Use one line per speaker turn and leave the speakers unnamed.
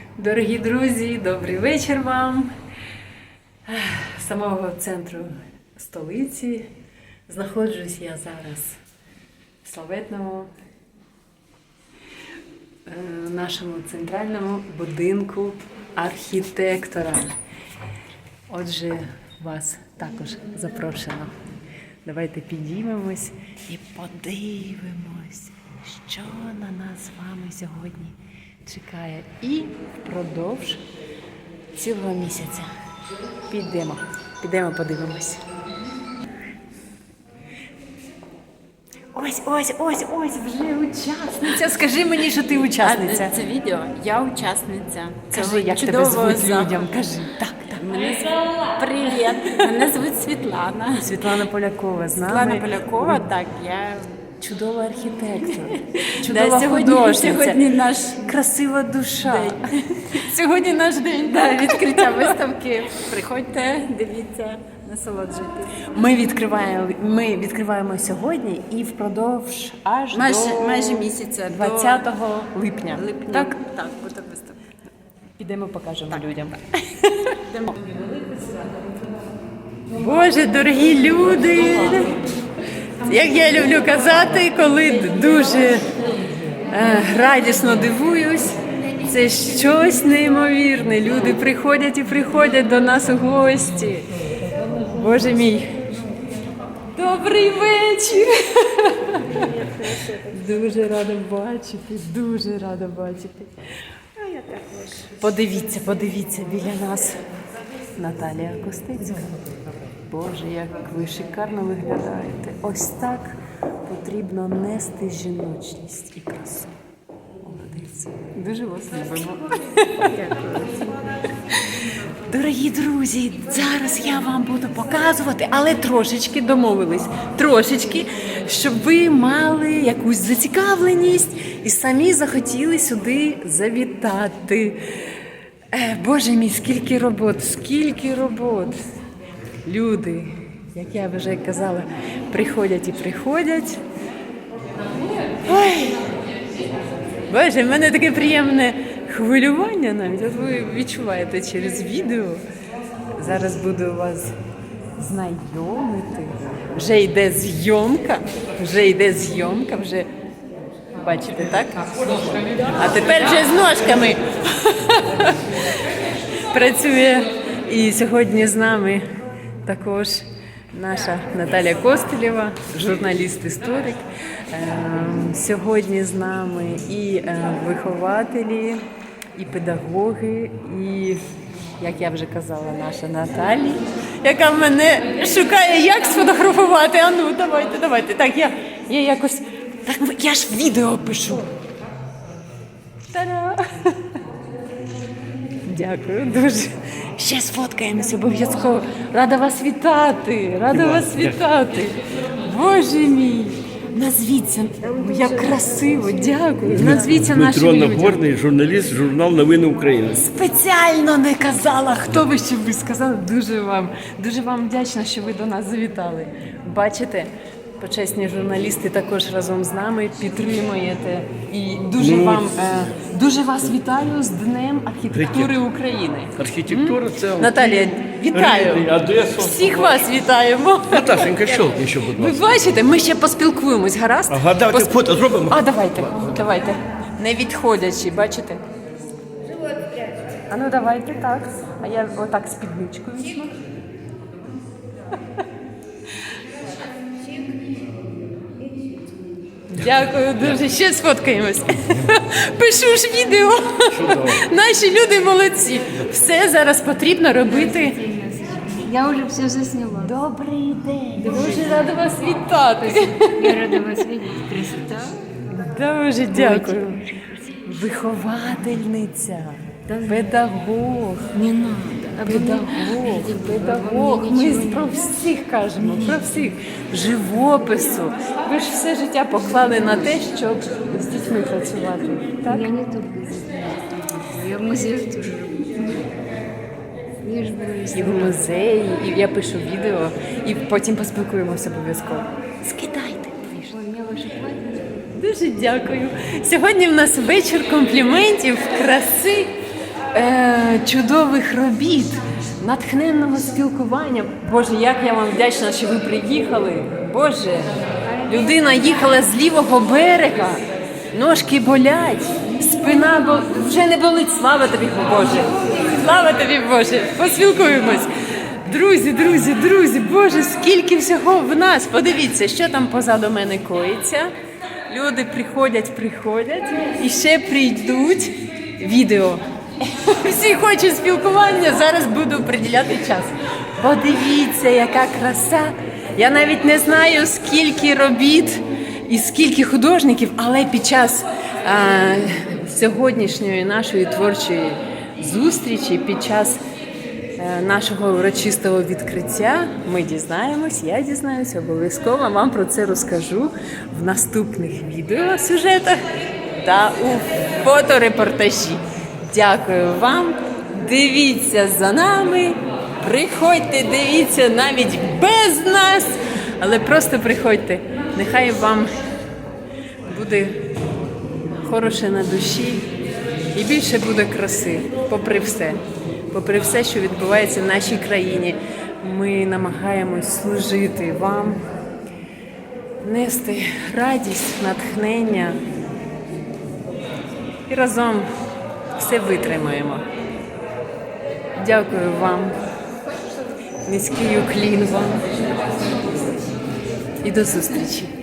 Дорогі друзі, добрий вечір вам. З самого центру столиці знаходжусь я зараз в славетному нашому центральному будинку архітектора. Отже, вас також запрошено. Давайте підіймемось і подивимось, що на нас з вами сьогодні чекає. І впродовж цілого місяця підемо подивимось. Ось, вже учасниця. Скажи мені, що ти учасниця.
Це відео, я учасниця.
Кажи, як тебе звуть людям, кажи. Так.
Привіт, мене звуть Світлана.
Світлана Полякова з нами.
Світлана Полякова, так, я...
Чудова архітектор, чудова
сьогодні
художниця,
наш
красива душа.
день. Сьогодні наш день, відкриття виставки. Приходьте, дивіться, насолоджуйтесь.
Ми відкриваємо сьогодні і впродовж аж до
Майже місяця,
20 липня.
Так, буде виставка.
Підемо покажемо людям.
Йдемо.
Боже, дорогі люди! Як я люблю казати, коли дуже радісно дивуюсь, це щось неймовірне. Люди приходять і приходять до нас у гості. Боже мій! Добрий вечір! Дуже рада бачити. Подивіться, біля нас Наталія Костицька. Боже, як ви шикарно виглядаєте. Ось так потрібно нести жіночність і красу. Молодець. Дуже вас любимо. Дорогі друзі, зараз я вам буду показувати, але трошечки домовились. Трошечки, щоб ви мали якусь зацікавленість і самі захотіли сюди завітати. Боже мій, скільки робот. Люди, як я вже казала, приходять і приходять. Ой! Боже, в мене таке приємне хвилювання навіть. От ви відчуваєте через відео. Зараз буду вас знайомити. Вже йде зйомка, вже бачите, так? А тепер вже з ножками працює. І сьогодні з нами також наша Наталя Костелєва, журналіст-історик. Сьогодні з нами і вихователі, і педагоги, і, як я вже казала, наша Наталія, яка мене шукає, як сфотографувати. А ну, давайте. Так, я якось... Так, я ж відео пишу. Та-да! Дякую дуже. Ще сфоткаємось обов'язково. Рада вас вітати. Боже мій. Назвіться, як красиво, дякую. Назвіться нашим
Дмитро
людям.
Нагорний, журналіст, журнал «Новини України».
Спеціально не казала, хто ви, щоб ви сказали. Дуже вам вдячна, що ви до нас завітали. Бачите, почесні журналісти також разом з нами підтримуєте. І дуже вас вітаю з Днем архітектури України.
Архітектура – це...
Наталія, вітаю!
Одесу.
Всіх вас вітаємо!
Наташенька, щелкни ще, будь
Ви
ласка.
бачите, ми ще поспілкуємось, гаразд?
Ага, давайте фото зробимо.
А, давайте. Не відходячи, бачите? А ну давайте так. А я отак спідничкою візьму. Дякую дуже. Ще сфоткаємось. Пишу ж відео. Наші люди молодці. Все зараз потрібно робити.
Я уже все засняла.
Добрий день. Дуже рада вас вітати.
Я рада вас видеть. Красота.
Дуже дякую. Виховательниця, педагог.
Не надо.
Педагог. Ми про всіх кажемо, про всіх. Живопису. Ви ж все життя поклали на те, щоб з дітьми працювати. Так?
Я не только здесь. Я в музее тоже работаю. Я же буду
І в музеї, і я пишу відео, і потім поспілкуємося обов'язково. Скидайте.
У меня ваше платье.
Дуже дякую. Сьогодні в нас вечір компліментів, краси чудових робіт, натхненного спілкування. Боже, як я вам вдячна, що ви приїхали. Боже, людина їхала з лівого берега, ножки болять, спина вже не болить. Слава тобі, Боже! Слава тобі, Боже! Поспілкуємось. Друзі, Боже, скільки всього в нас. Подивіться, що там позаду мене коїться. Люди приходять і ще прийдуть. Відео. Всі хочуть спілкування, зараз буду приділяти час. Подивіться, яка краса. Я навіть не знаю, скільки робіт і скільки художників, але під час сьогоднішньої нашої творчої зустрічі, під час нашого урочистого відкриття ми дізнаємось, я дізнаюсь, обов'язково вам про це розкажу в наступних відеосюжетах та у фоторепортажі. Дякую вам, дивіться за нами, приходьте, дивіться навіть без нас, але просто приходьте. Нехай вам буде хороше на душі і більше буде краси, попри все, що відбувається в нашій країні. Ми намагаємось служити вам, нести радість, натхнення і разом все витримаємо. Дякую вам, низький уклін вам і до зустрічі.